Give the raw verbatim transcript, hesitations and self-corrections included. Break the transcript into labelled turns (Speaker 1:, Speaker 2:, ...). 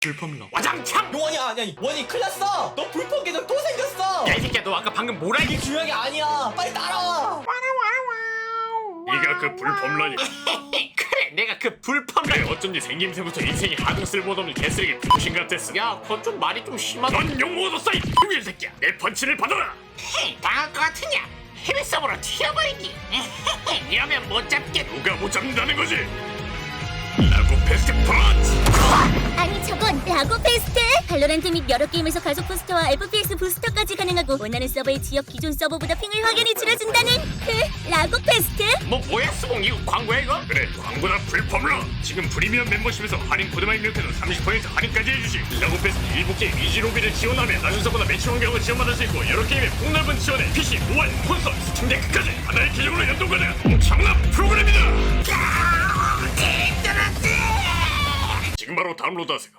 Speaker 1: 불법러 와장창!
Speaker 2: 원이야 아니야 원이 큰일 났어. 너 불법 계정 또 생겼어.
Speaker 1: 야 이 새끼야 너 아까 방금 뭐라
Speaker 2: 이게
Speaker 1: 했지?
Speaker 2: 중요한 게 아니야. 빨리 따라와.
Speaker 1: 네가 그 불법러니 그래 내가 그 불법러니 어쩐지 생김새부터 인생이 하등 쓸모없는 개쓰레기 병신 같았어. 야 그건 좀 말이 좀 심하다. 넌 욕먹어도 싸이 병신 새끼야. 내 펀치를 받아라.
Speaker 3: 헤이, 당할 것 같으냐? 해외 서버로 튀어버리기. 이러면 못 잡겠.
Speaker 1: 누가 못 잡는다는 거지? 라고 패스트 펀치!
Speaker 4: 아니 저건 라고 페스트! 발로란트 및 여러 게임에서 가속 부스터와 에프피에스 부스터까지 가능하고 원하는 서버의 지역 기존 서버보다 핑을 확연히 줄여준다는 그 라고 페스트?
Speaker 1: 뭐 뭐야 수봉 이거 광고야 이거? 그래 광고나 불법러. 지금 프리미엄 멤버십에서 할인 코드만 입력해도 삼십 퍼센트 할인까지 해주지. 라고 패스트 일부 게임 이지로비를 지원하며 낮은 서버나 매치 환경을 지원받을 수 있고 여러 게임의 폭넓은 지원에 피씨, 모바일, 콘솔, 스팀데크까지 하나의 계정으로 연동가능 엄청난 프로그램이다. 지금 바로 다운로드하세요.